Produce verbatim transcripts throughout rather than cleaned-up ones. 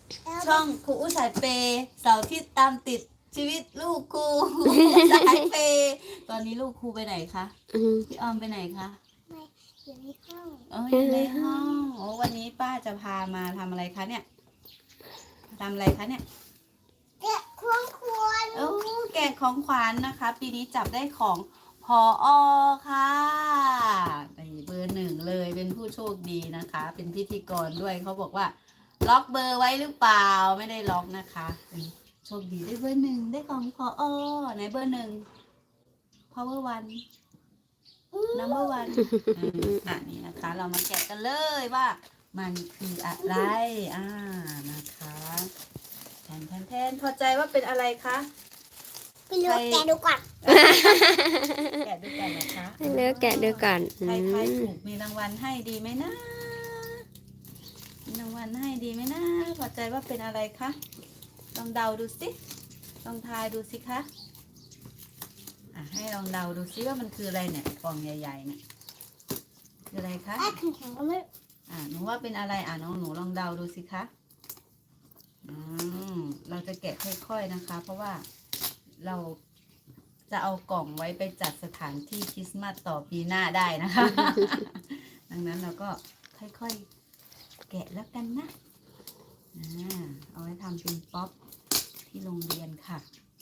ช่องครูอุ้สายเปย์เสาร์ที่ตามติดชีวิตลูกครูสายเปย์ตอนนี้ลูกครูไปไหนคะอืมพี่ออมไปไหนคะไม่อยู่ในห้องเอออยู่ในห้องโอ้วันนี้ป้าจะพามาทำอะไรคะเนี่ยทำอะไรคะเนี่ยแกะควงควรโอ้แกะของขวัญนะคะ ปีนี้จับได้ของพออค่ะในเบอร์หนึ่งเลยเป็นผู้โชคดีนะคะ เป็นพิธีกรด้วยเขาบอกว่า ล็อกเบอร์ไว้หรือเปล่าไม่ได้ล็อกนะคะเป็นโชคดีได้เบอร์หนึ่งได้ของพออไหนเบอร์หนึ่ง power one number one อ่ะนี่นะคะ เรามาแกะกันเลยว่า มันคืออะไรอ่านะคะแทนแทนแทนพอใจว่าเป็นอะไรคะไปเลือกแกะดูก่อนแกะด้วยกันนะคะให้เลือกแกะดูก่อนอืใครใครมถูกมีรางวัลให้ดีไหมนะมีรางวัลให้ดีไหมนะพอใจว่าเป็นอะไรคะลองเดาดูสิลองทายดูสิคะอ่ะให้ลองเดาดูสิว่ามันคืออะไรเนี่ยกล่องใหญ่ๆเนี่ยคืออะไรคะแอ้แข็งๆก็ไม่อ่าหนูว่าเป็นอะไรอ่ะน้องหนูลองเดาดูสิคะอืมเราจะแกะค่อยๆนะคะ เพราะว่าเราจะเอากล่องไว้ไปจัดสถานที่คริสต์มาสต่อปีหน้าได้นะคะ ดังนั้นเราก็ค่อยๆแกะแล้วกันนะอ่าเอาไว้ทำเป็นป๊อปที่โรงเรียนค่ะ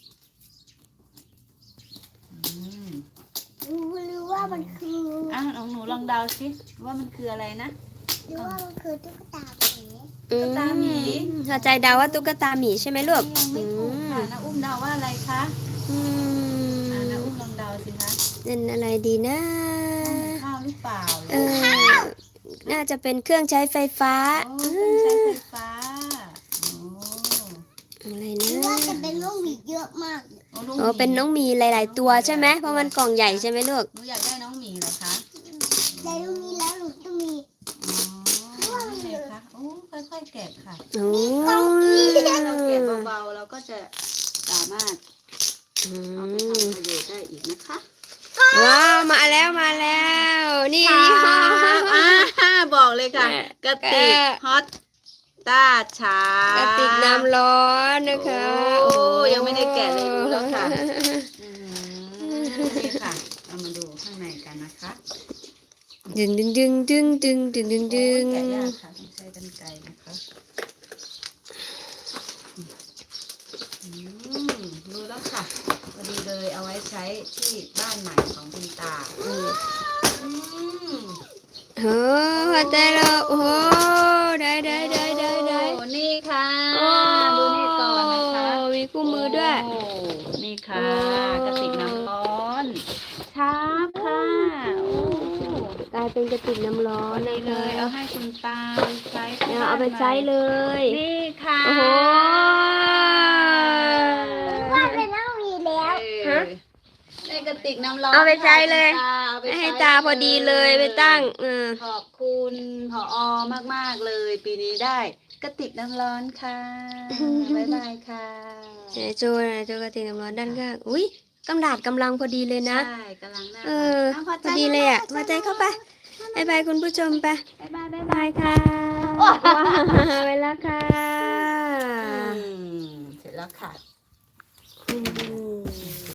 อืมรู้หรือว่ามันคืออ่ะน้องหนูลองเดาสิว่ามันคืออะไรนะหรือว่ามันคือตุ๊กตาหมีอืตุ๊กตาหมีพอใจเดาว่าตุ๊กตาหมีใช่ไหมลูกยังไม่ถูกค่ะน้าอุ้มเดาว่าอะไรคะอืมอ่าน้าอุ้มลองเดาสิคะเป็นอะไรดีนะข้าวหรือเปล่าเออน่าจะเป็นเครื่องใช้ไฟฟ้าโอ้เครื่องใช้ไฟฟ้าโอ้อะไรหรือนะว่าจะเป็นลูกหมีเยอะมากโอ้ลูกอ๋อเป็นน้องหมีหลาย ๆ ตัวใช่ไหมเพราะมันกล่องใหญ่ใช่ไหมลูกหนูอยากได้น้องหมีเหรอคะแต่ลูกมีแล้วหนูจะมีอ๋อนี่ไงคะโอ้ค่อยๆแกะค่ะโอ้ถ้าเราแกะเบาๆเราก็จะสามารถอืเอาไปมทำประโยชน์ได้อีกนะคะว้าวมาแล้วมาแล้ว นี่ยี่ห้ออ่าบอกเลยค่ะกระติกแกะฮอตต้าชากระติกน้ำร้อนนะคะโอ้ยังไม่ได้แกะเลยรู้แล้วค่ะ อืมนี่ค่ะเรามาดูข้างในกันนะคะดึงดึงดึงดึงดึงดึงดึงดึงโอ้ยแกะยากค่ะต้องใช้กรรไกรนะคะอืมรู้แล้วค่ะพอดีเลยเอาไว้ใช้ที่บ้านใหม่ของคุณตาอืมอืมโอ้หัวใจเราโอ้ได้ได้ได้ได้ได้โอ้นี่ค่ะโอ้ดูนี่ก่อนนะคะมีคู่มือด้วยโอ้นี่ค่ะโอ้กระติกน้ำร้อนชาร์ปค่ะโอ้กลายเป็นกระติกน้ำร้อพอน ดีนะเลคะยเอาให้คุณตาใช้ที่เนี่ยบ้นเอาไปใช้เลยนี่ค่ะโอ้โหว่าเป็นลูกหมีแล้วเออในกระติกน้ำร้อนเอาไปใช้เลยค่ะเอาไปให้ใช้ตาพอดีเลยไปตั้งเออขอบคุณผอมากๆเลย ปีนี้ได้กระติกน้ำร้อนค่ะบ๊ายบายค่ะไหนโจนะโจกระติกน้ำร้อนด้านข้างอุ้ยกำดาดกำลังพอดีเลยนะใช่กำลังน่าเออรักพอดีเลยอ่ะพอใจเข้าไปบายบายคุณผู้ชมไปบ๊ายบายบ๊ายบาบายยค่ะไปแล้วค่ะอืมเสร็จแล้วค่ะอืม